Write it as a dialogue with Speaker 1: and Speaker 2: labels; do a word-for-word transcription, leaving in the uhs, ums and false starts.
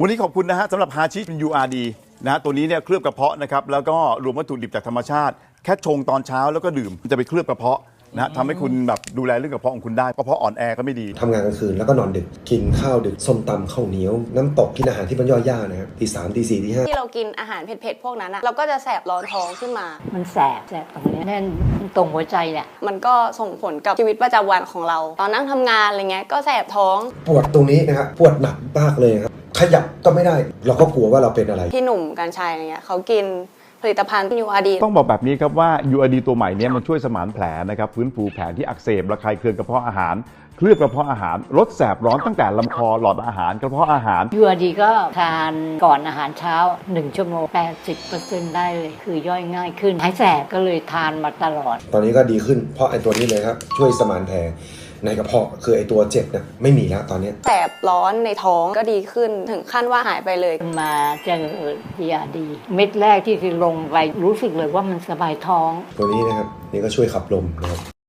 Speaker 1: วันนี้ขอบคุณนะฮะสำหรับฮาชิเป็น ยู อาร์ ดี นะฮะตัวนี้เนี่ยเคลือบกระเพาะนะครับแล้วก็รวมวัตถุดิบจากธรรมชาติแค่ชงตอนเช้าแล้วก็ดื่มจะไปเคลือบกระเพาะนะฮะทำให้คุณแบบดูแลเรื่องกระเพาะของคุณได้กระเพาะอ่อนแอก็ไม่ดี
Speaker 2: ทำงานกลางคืนแล้วก็นอนดึกกินข้าวดึกส้มตำข้าวเหนียวน้ำตกกินอาหารที่มันย่อยยากนะครับตีสามตีสี่ตีห้า
Speaker 3: ที่เรากินอาหารเผ็ดๆพวกนั้นอะเราก็จะแสบร้อนท้องขึ้นมา
Speaker 4: มันแสบแสบตรงนี้แน่นตรงหัวใจแหละ
Speaker 3: มันก็ส่งผลกับชีวิตประจำวันของเรา ตอนนั่งทำงานอะไรเงี้ยก็แสบท้อง
Speaker 2: ปวดตรงนี้นะครับปวดหนักมากเลยครับขยับก็ไม่ได้เราก็กลัวว่าเราเป็นอะไร
Speaker 3: พี่หนุ่มกัญชัยอะไรเงี้ยเขากินผลิตภัณฑ์ ยู อาร์ ดี
Speaker 1: ต้องบอกแบบนี้ครับว่า ยู อาร์ ดี ตัวใหม่เนี้มันช่วยสมานแผลนะครับฟื้นฟูแผลที่อักเสบระคายเคืองกระเพาะอาหารเคลือบกระเพาะอาหารลดแสบร้อนตั้งแต่ลำคอหลอดอาหารกระเพาะอาหาร
Speaker 4: ยู อาร์ ดี ก็ทานก่อนอาหารเช้าหนึ่งชั่วโมง แปดสิบเปอร์เซ็นต์ ได้เลยคือย่อยง่ายขึ้นหายแสบก็เลยทานมาตลอด
Speaker 2: ตอนนี้ก็ดีขึ้นเพราะไอ้ตัวนี้เลยครับช่วยสมานแผลในกระเพาะคือไอ้ตัวเจ็บเนี่ยไม่มีแล้วตอนนี้
Speaker 3: แสบร้อนในท้องก็ดีขึ้นถึงขั้นว่าหายไปเลย
Speaker 4: มาเจอ ยู อาร์ ดี เม็ดแรกที่คือลงไปรู้สึกเลยว่ามันสบายท้อง
Speaker 2: ตัวนี้นะครับนี่ก็ช่วยขับลมนะครับ